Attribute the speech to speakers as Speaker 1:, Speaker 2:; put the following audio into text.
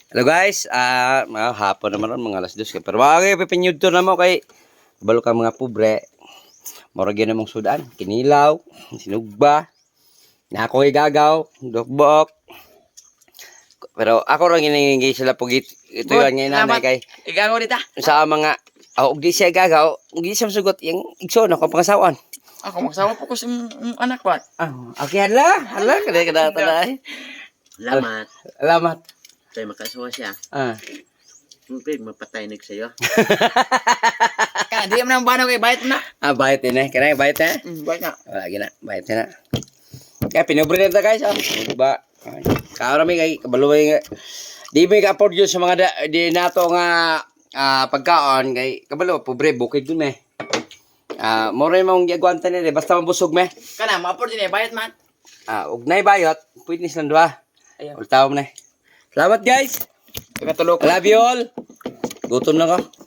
Speaker 1: Hello guys, mga hapon naman ron, mga alas 2 ka. Pero mga pipinyod to na mo kay balo ka mga pobre. Mura gyud namong sudan, kinilaw, sinugba, na ako igagaw, dokbok. Pero ako ra giningi sila pugit. Ito
Speaker 2: Good,
Speaker 1: yan ngayon nanay
Speaker 2: salamat.
Speaker 1: kay
Speaker 2: Igaw dita.
Speaker 1: sa mga ug di siya gagaw, ug di siya sugot yung igsoon ako pangasawan.
Speaker 2: Ako magsawa po ko sa anak ko.
Speaker 1: Okay hala kada tanay.
Speaker 3: Salamat.
Speaker 1: Salamat.
Speaker 3: Tayo makasawa siya. Siyempre, mapataynig sa'yo.
Speaker 2: Kaya di mo nang banaw kay bayad mo na.
Speaker 1: Bayad din kanay bayad na.
Speaker 2: Bayad na.
Speaker 1: Wala gina, bayad na. Kaya pinobre na ta guys, ba? Kaarami kay kabaluway nga. Di mo ka-afford yun sa mga di nato nga pagkaon kay kabalo pobre bukid dun more mong giagwanta nila basta mabusog me.
Speaker 2: Kana ma-afford din bayad man.
Speaker 1: Ug nay bayot, pwede ni silang duha.
Speaker 2: Ayun.
Speaker 1: Ultaw mo na. Salamat guys.
Speaker 2: Katulog.
Speaker 1: I love you all. Gutom na ko.